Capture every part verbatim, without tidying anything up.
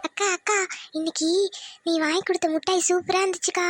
அக்கா அக்கா இன்னைக்கு நீ வாங்கி கொடுத்த மிட்டாய் சூப்பரா இருந்துச்சுக்கா.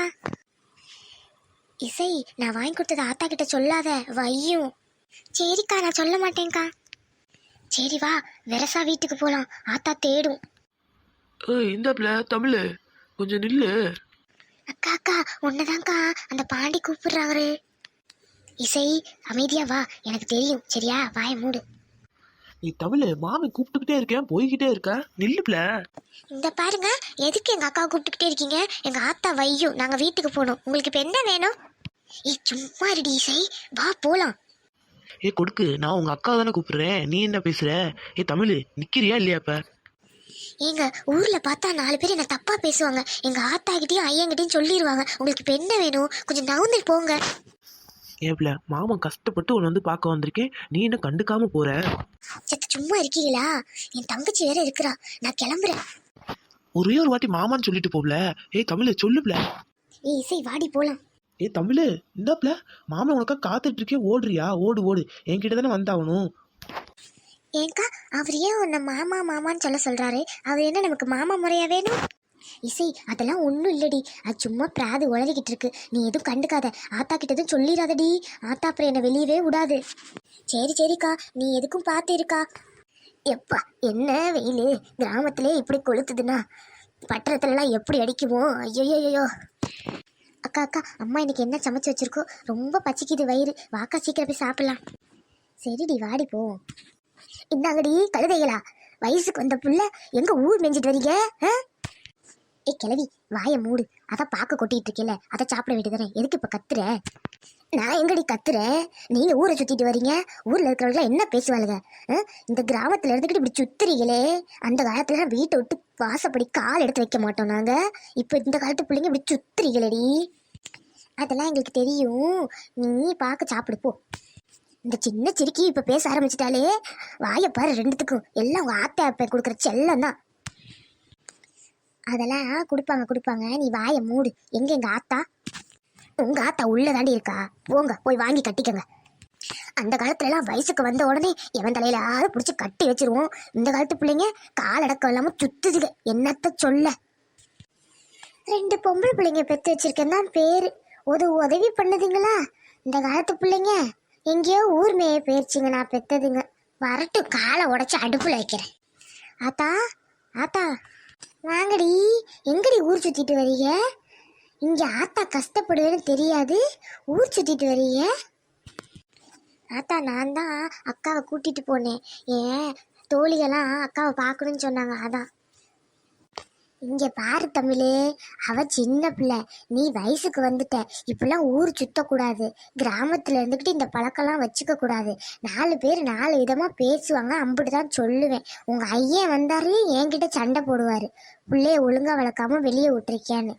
இசை, நான் வாங்கி கொடுத்தது ஆத்தா கிட்ட சொல்லாத வையும். சரிக்கா, நான் சொல்ல மாட்டேன்க்கா. சரி வா, வெரசா வீட்டுக்கு போலாம், ஆத்தா தேடும். ஏய் இந்தாப்ல தமிழ், கொஞ்சம் நில்லு. அக்கா அக்கா உன்னதான்க்கா அந்த பாண்டி கூப்பிடுறாரு. இசை அமைதியா வா, எனக்கு தெரியும் சரியா, வாய மூடு. நீ தமிழ், மாமி கூப்பிட்டுக்கிட்டே இருக்கேன் போய்கிட்டே இருக்க, நில்லுப்ல. இந்த பாருங்க, எதுக்கு எங்க அக்கா கூப்பிட்டுக்கிட்டே இருக்கீங்க? எங்க ஆத்தா வையும், நாங்க வீட்டுக்கு போகணும். உங்களுக்கு இப்ப என்ன வேணும்? ஏ சும்மா இருடி இசை, வா போலாம். ஏ கொடுக்கு, நான் உங்க அக்கா தானே கூப்பிடுறேன், நீ என்ன பேசுற? ஏ தமிழ், நிக்கிறியா இல்லையா? இப்ப எங்க ஊர்ல பார்த்தா நாலு பேர் என்ன தப்பா பேசுவாங்க. எங்க ஆத்தா கிட்டயும் ஐயங்கிட்டயும் சொல்லிடுவாங்க. உங்களுக்கு இப்ப என்ன வேணும்? கொஞ்சம் நவுந்து போங்க. ஏப்ல, மாமன் கஷ்டப்பட்டு உன்னை வந்து பார்க்க வந்திருக்கேன், நீ என்ன கண்டுக்காம போற? சத்து சும்மா இருக்கீங்களா? என் தங்கச்சி வேற இருக்கிறா, நான் கிளம்புறேன். ஒரே ஒரு வாட்டி மாமான்னு சொல்லிட்டு போப்ல. ஏய் தமிழ் சொல்லுப்ல. ஏ இசை வாடி போலாம். ஏ தமிழ், இந்தாப்ல மாமன் உனக்கா காத்துட்டு இருக்கேன், ஓடுறியா? ஓடு ஓடு, என்கிட்ட தானே வந்தாகணும். ஏங்கா, அவர் ஏன் உன்னை மாமா மாமான்னு சொல்ல சொல்றாரு? அவர் என்ன நமக்கு மாமா முறையா வேணும்? இசை, அதெல்லாம் ஒன்றும் இல்லடி, அது சும்மா பிராது உளறிக்கிட்டு இருக்கு. நீ எதுவும் கண்டுக்காத, ஆத்தா கிட்ட எதுவும் சொல்லிடாதடி. ஆத்தா அப்புறம் என்னை வெளியவே விடாது. சரி சரிக்கா, நீ எதுக்கும் பார்த்து இருக்கா. எப்பா என்ன வெயில், கிராமத்திலே இப்படி கொளுத்துதுன்னா பட்டணத்துலலாம் எப்படி அடிக்குமோ? ஐயோ. அக்கா அக்கா, அம்மா இன்னைக்கு என்ன சமைச்சு வச்சிருக்கோ? ரொம்ப பச்சிக்குது வயிறு, வாக்கா சீக்கிரம் போய் சாப்பிடலாம். சரிடி வாடி போ. இந்தாங்கடி கழுதைகளா, வயசுக்கு வந்த புள்ள எங்க ஊர் மெஞ்சிட்டு வரீங்க? ஏ கிளவி, வாய மூடு. அதான் பார்க்க கொட்டிட்டு இருக்கேல, அதை சாப்பிட வேண்டியதானே, எதுக்கு இப்ப கத்துற? நான் எங்கடி கத்துறேன்? நீங்க ஊரை சுத்திட்டு வரீங்க, ஊர்ல இருக்கிறவங்க என்ன பேசுவாளுங்க? இந்த கிராமத்துல இருந்துக்கிட்டு இப்படி சுத்துறீங்களே. அந்த காலத்துல வீட்டை விட்டு வாசப்படி கால் எடுத்து வைக்க மாட்டோம் நாங்க. இப்ப இந்த காலத்து பிள்ளைங்க இப்படி சுத்துறீங்களடி. அதெல்லாம் எங்களுக்கு தெரியும், நீ பார்க்க சாப்பிடு போ. இந்த சின்ன சிரிக்கி இப்ப பேச ஆரம்பிச்சிட்டாலே, வாய பாரு ரெண்டுத்துக்கும். எல்லாம் உங்க ஆத்தா அப்ப கொடுக்குற செல்லம் தான். அதெல்லாம் கொடுப்பாங்க கொடுப்பாங்க, நீ வாய மூடு. எங்க எங்க ஆத்தா? உங்க ஆத்தா உள்ள தாண்டி இருக்கா, போங்க போய் வாங்கி கட்டிக்கங்க. அந்த காலத்துல எல்லாம் வயசுக்கு வந்த உடனே எவன் தலையில யாரும் பிடிச்சி கட்டி வச்சிருவோம். இந்த காலத்து பிள்ளைங்க காலடக்கம் இல்லாம சுத்துதுங்க, என்னத்த சொல்ல. ரெண்டு பொம்பளை பிள்ளைங்க பெத்து வச்சிருக்கேன் தான் பேரு, ஒரு உதவி பண்ணுதுங்களா? இந்த காலத்து பிள்ளைங்க எங்கேயோ ஊர் மேய போயிருச்சுங்க, நான் பெத்ததுங்க. வரட்டு காலை உடைச்சு அடுப்புல வைக்கிறேன். ஆத்தா ஆத்தா வாங்கடி. எங்கடி ஊர் சுத்திட்டு வரீங்க? இங்க ஆத்தா கஷ்டப்படுவேன்னு தெரியாது, ஊர் சுத்திட்டு வரீங்க? ஆத்தா, நான் தான் அக்காவை கூட்டிட்டு போனேன். ஏன் தோழிகளாம் அக்காவை பார்க்கணும்னு சொன்னாங்க, அதான். இங்க பாரு தமிழே, அவ சின்ன பிள்ளை, நீ வயசுக்கு வந்துட்ட. இப்பெல்லாம் ஊர் சுத்தக்கூடாது, கிராமத்துல இருந்துக்கிட்டு இந்த பழக்கம்லாம் வச்சுக்க கூடாது. நாலு பேர் நாலு விதமா பேசுவாங்க, அம்பிட்டுதான் சொல்லுவேன். உங்க ஐயன் வந்தாரு என்கிட்ட சண்டை போடுவாரு, பிள்ளைய ஒழுங்கா வளர்க்காம வெளியே விட்டுருக்கியான்னு.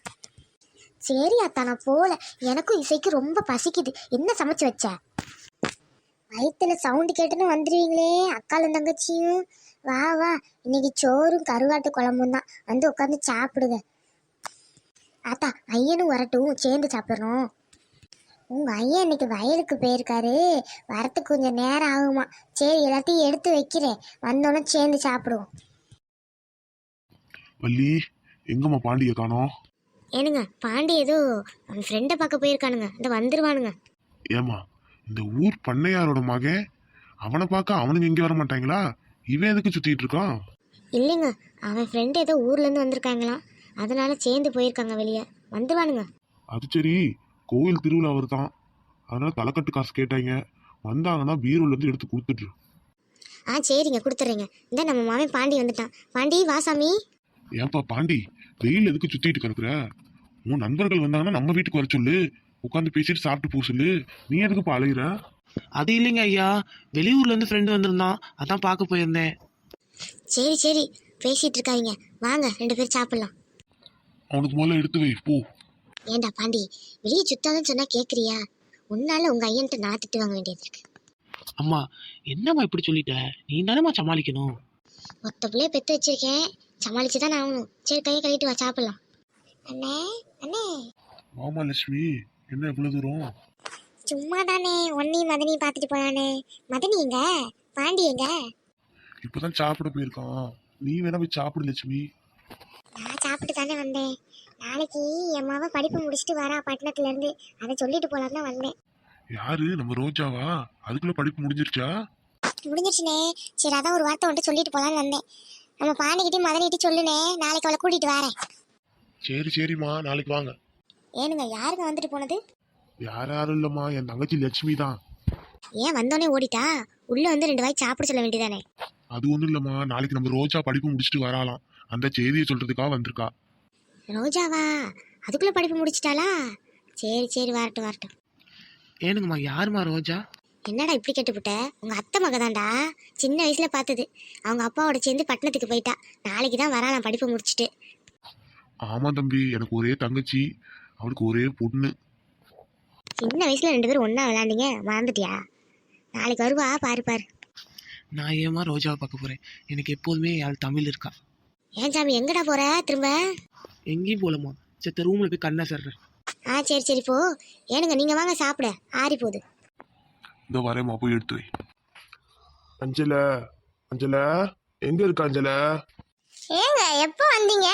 சரி அத்தா, நான் போல. எனக்கும் இசைக்கு ரொம்ப பசிக்குது. என்ன சமைச்சு வச்ச? வயிற்றுல சவுண்டு கேட்டுன்னு வந்துடுவீங்களே அக்காலும் தங்கச்சியும். வா வா, இன்னைக்கு சோறும் கருவாட்டு குழம்பும் தான், வந்து உட்காந்து சாப்பிடுங்க. ஆத்தா ஐயனும் வரட்டும், சேர்ந்து சாப்பிட்றோம். உங்க ஐயன் இன்னைக்கு வயலுக்கு போயிருக்காரு, வரத்துக்கு கொஞ்சம் நேரம் ஆகுமா. சரி எல்லாத்தையும் எடுத்து வைக்கிறேன், வந்தோன்னே சேர்ந்து சாப்பிடுவோம். வள்ளி, எங்கம்மா பாண்டிய காணோம்? ஏனுங்க, பாண்டி ஏதோ அவன் ஃப்ரெண்டை பார்க்க போயிருக்கானுங்க, இந்த வந்துருவானுங்க. ஏமா, இந்த ஊர் பண்ணையாரோட மகன், அவனை பார்க்க அவனுங்க இங்கே வர மாட்டாங்களா? இவன் எதுக்கு சுத்திட்டு இருக்கான்? இல்லைங்க, அவன் ஃப்ரெண்டு ஏதோ ஊர்ல இருந்து வந்திருக்காங்களாம், அதனால சேர்ந்து போயிருக்காங்க வெளியே, வந்துருவானுங்க. அது சரி, கோயில் திருவிழா வருதான், அதனால தலைக்கட்டு காசு கேட்டாங்க, வந்தாங்கன்னா பீரோல இருந்து எடுத்து கொடுத்துட்டு. ஆ சரிங்க, கொடுத்துட்றேங்க. இந்த நம்ம மாமன் பாண்டி வந்துட்டான். பாண்டி வாசாமி. ஏன்பா பாண்டி, வெயில் எதுக்கு சுத்திட்டு கிடக்குற? உன் நண்பர்கள் வந்தாங்கன்னா நம்ம வீட்டுக்கு வர சொல்லு, உட்காந்து பேசிட்டு சாப்பிட்டு போ சொல்லு. நீ எதுக்குப்பா அலையிற? அது இல்லைங்க ஐயா, வெளியூர்ல இருந்து ஃப்ரெண்டு வந்திருந்தான், அதான் பார்க்க போயிருந்தேன். சரி சரி, பேசிட்டு இருக்காதீங்க, வாங்க ரெண்டு பேரும் சாப்பிடலாம். அவனுக்கு முதல்ல எடுத்து வை போ. ஏண்டா பாண்டி, வெளியே சுத்தாதன்னு சொன்னா கேக்குறியா? உன்னால உங்க ஐயன்ட்ட நான் திட்டு வாங்க வேண்டியது இருக்கு. அம்மா என்னம்மா இப்படி சொல்லிட்ட, நீ தானேம்மா சமாளிக்கணும். மொத்த பிள்ளைய பெத்து வச்சிருக்கேன், சமாளிச்சுதான் ஆகணும். சரி கையை கழிட்டு வா, சாப்பிடலாம். அண்ணே அண்ணே. ஆமா லட்சுமி, என்ன இவ்வளவு தூரம்? சும்மா தானே, ஒன்னையும் மதனையும் பார்த்துட்டு போனானே. மதனி எங்க, பாண்டி எங்க? இப்பதான் சாப்பிட போயிருக்கான், நீ வேணா போய் சாப்பிடு லட்சுமி. நான் சாப்பிட்டு தானே வந்தேன். நாளைக்கு என் மாவ படிப்பு முடிச்சுட்டு வரா பட்டணத்துல இருந்து, அதை சொல்லிட்டு போலாம் தான் வந்தேன். யாரு நம்ம ரோஜாவா? அதுக்குள்ள படிப்பு முடிஞ்சிருச்சா? முடிஞ்சிருச்சுனே. சரி அதான் ஒரு வார்த்தை வந்துட்டு சொல்லிட்டு போலான்னு வந்தேன். நம்ம பாண்டிக்கிட்டையும் மதனிட்டையும் சொல்லுனே, நாளைக்கு அவளை கூட்டிட்டு வரேன். சரி சரிம்மா, நாளைக்கு வாங்க. ஏனுங்க யாருங்க வந்துட்டு போனது? யார் யாரும் இல்லம்மா, என் தங்கச்சி லட்சுமி தான். ஏன் வந்தோடனே ஓடிட்டா? உள்ள வந்து ரெண்டு வாய் சாப்பிட சொல்ல வேண்டியதானே? அது ஒண்ணும் இல்லம்மா, நாளைக்கு நம்ம ரோஜா படிப்பு முடிச்சுட்டு வராலாம், அந்த செய்தியை சொல்றதுக்காக வந்திருக்கா. ரோஜாவா? அதுக்குள்ள படிப்பு முடிச்சிட்டாளா? சரி சரி வரட்டும் வரட்டும். ஏனுங்கம்மா யாருமா ரோஜா? என்னடா இப்படி கேட்டுப்புட்ட? உங்க அத்தை மகதான்டா, சின்ன வயசுல பார்த்தது. அவங்க அப்பாவோட சேர்ந்து பட்டணத்துக்கு போயிட்டா. நாளைக்கு தான் வராலாம் படிப்பு முடிச்சுட்டு. ஆமா தம்பி, எனக்கு ஒரே தங்கச்சி, அவளுக்கு ஒரே பொண்ணு. சின்ன வயசுல ரெண்டு பேரும் ஒண்ணா விளையாண்டீங்க, மறந்துட்டியா? நாளைக்கு வருவா, பாரு பாரு. நான் ஏமா ரோஜாவை பார்க்க போறேன்? எனக்கு எப்போதுமே யாழ் தமிழ் இருக்கா. ஏன் சாமி எங்கடா போற திரும்ப? எங்கேயும் போலமா, செத்த ரூம்ல போய் கண்ணா சர்றேன். ஆ சரி சரி போ. ஏனுங்க நீங்க வாங்க சாப்பிட, ஆறி போகுது. இந்த வரேம்மா, போய் எடுத்து வை. அஞ்சல, அஞ்சல, எங்க இருக்க அஞ்சல? ஏங்க எப்போ வந்தீங்க?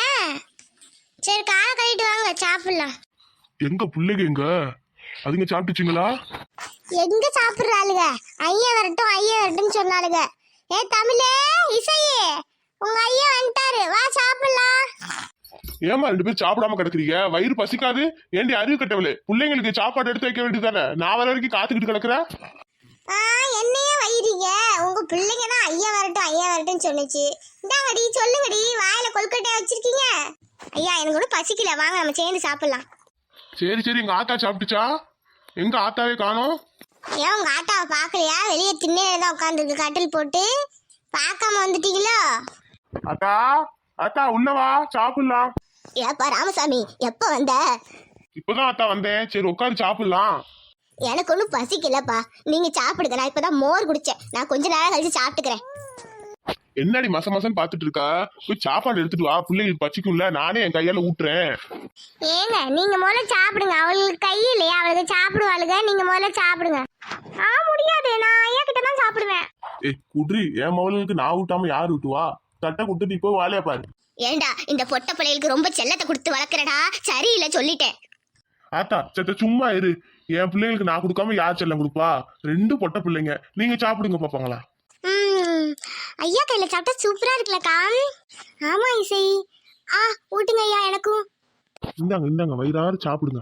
சரி காலை கழிட்டு வாங்க சாப்பிடலாம். எங்க பிள்ளைங்க எங்க? அதுங்க சாப்பிட்டுச்சுங்களா? எங்க சாப்பிடுறாளுங்க? ஐயா வரட்டும் ஐயா வரட்டும் சொன்னாளுங்க. ஏ தமிழே, இசையே, உங்க ஐயா வந்துட்டாரு, வா சாப்பிடலாம். ஏமா ரெண்டு பேரும் சாப்பிடாம கிடக்குறீங்க? வயிறு பசிக்காது? ஏண்டி அறிவு கட்டவளே, பிள்ளைங்களுக்கு சாப்பாடு எடுத்து வைக்க வேண்டியதானே? நான் வர வரைக்கும் காத்துக்கிட்டு கிடக்குறேன். ஆ என்னையே வயிறீங்க? உங்க பிள்ளைங்க தான் ஐயா வரட்டும் ஐயா வரட்டும் சொன்னுச்சு. இந்தாங்கடி சொல்லுங்கடி, வாயில கொல்கட்டையா வச்சிருக்கீங்க. ஐயா எனக்கு கூட பசிக்கல, வாங்க நம்ம சேர்ந்து சாப்பிடலாம். சரி சரி, எங்க ஆத்தா சாப்பிட்டுச்சா? எங்க ஆத்தாவே காணோம்? ஏன் உங்க ஆட்டாவை பாக்கலையா? வெளியே திண்ணையில தான் உட்காந்துருக்கு கட்டில் போட்டு, பார்க்காம வந்துட்டீங்களோ? அத்தா, அத்தா உள்ளவா, சாப்பிடலாம். ஏப்பா ராமசாமி எப்ப வந்த? இப்பதான் அத்தா வந்தேன். சரி உட்காந்து சாப்பிடலாம். எனக்கு ஒன்றும் பசிக்கலப்பா, நீங்க சாப்பிடுங்க. நான் இப்பதான் மோர் குடிச்சேன், நான் கொஞ்ச நேரம் கழிச்சு சாப்பிட்டுக்கிறேன். என்னடி மச மசன்னு பாத்துட்டு இருக்கா? போய் சாப்பாடு எடுத்துட்டு வா, பிள்ளைங்களுக்கு பச்சிக்கும்ல, நானே என் கையால ஊட்டுறேன். ஏங்க நீங்க முதல்ல சாப்பிடுங்க, அவளுக்கு கை இல்லையா, அவளுக்கு சாப்பிடுவாளுங்க, நீங்க முதல்ல சாப்பிடுங்க. ஆ முடியாது, நான் ஐயா கிட்ட தான் சாப்பிடுவேன். ஏய் குட்ரி, என் மவளுக்கு நான் ஊட்டாம யார் ஊட்டுவா? தட்டை கொடுத்துட்டு இப்போ வேலையா பாரு. ஏண்டா இந்த பொட்ட பிள்ளைகளுக்கு ரொம்ப செல்லத்தை கொடுத்து வளர்க்குறடா, சரியில்லை சொல்லிட்டேன். ஆத்தா சத்த சும்மா இரு. என் பிள்ளைங்களுக்கு நான் கொடுக்காம யார் செல்லம் கொடுப்பா? ரெண்டு பொட்ட பிள்ளைங்க, நீங்க சாப்பிடுங்க பாப்பாங்களா. ம் ஐயா கையில சாப்பிட்டா சூப்பரா இருக்குல்லக்கா. ஆமா இசை. ஆ ஊட்டுங்க ஐயா எனக்கும். இந்தாங்க இந்தாங்க, வயிறாறு சாப்பிடுங்க.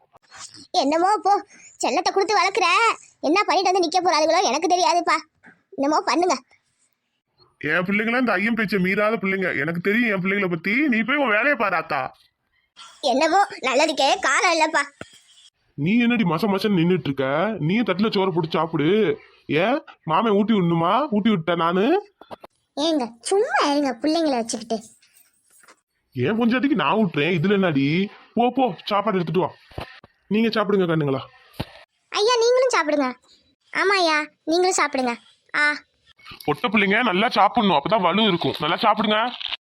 என்னமோ போ, செல்லத்தை கொடுத்து வளர்க்குற, என்ன பண்ணிட்டு வந்து நிக்க போறாளுகளோ எனக்கு தெரியாதுப்பா. என்னமோ பண்ணுங்க. என் பிள்ளைங்களாம் இந்த ஐயம் பேச்ச மீறாத பிள்ளைங்க, எனக்கு தெரியும் என் பிள்ளைங்களை பத்தி. நீ போய் உன் வேலையை பாரு ஆத்தா. என்னமோ நல்லதுக்கே காலம் இல்லப்பா. நீ என்னடி மச மசன்னு நின்றுட்டு இருக்க? நீ தட்டுல சோறு போட்டு சாப்பிடு. ஏன் மாமே ஊட்டி விடணுமா? ஊட்டி விட்டேன் நானு. ஏங்க சும்மா இருங்க பிள்ளைங்களை வச்சுக்கிட்டு. ஏன் பொஞ்சாட்டிக்கு நான் விட்டுறேன், இதுல என்னடி? போ போ, சாப்பாடு எடுத்துட்டு வா. நீங்க சாப்பிடுங்க கண்ணுங்களா. ஐயா நீங்களும் சாப்பிடுங்க. ஆமா ஐயா நீங்களும் சாப்பிடுங்க. ஆ பொட்ட பிள்ளைங்க நல்லா சாப்பிடணும், அப்பதான் வலு இருக்கும். நல்லா சாப்பிடுங்க.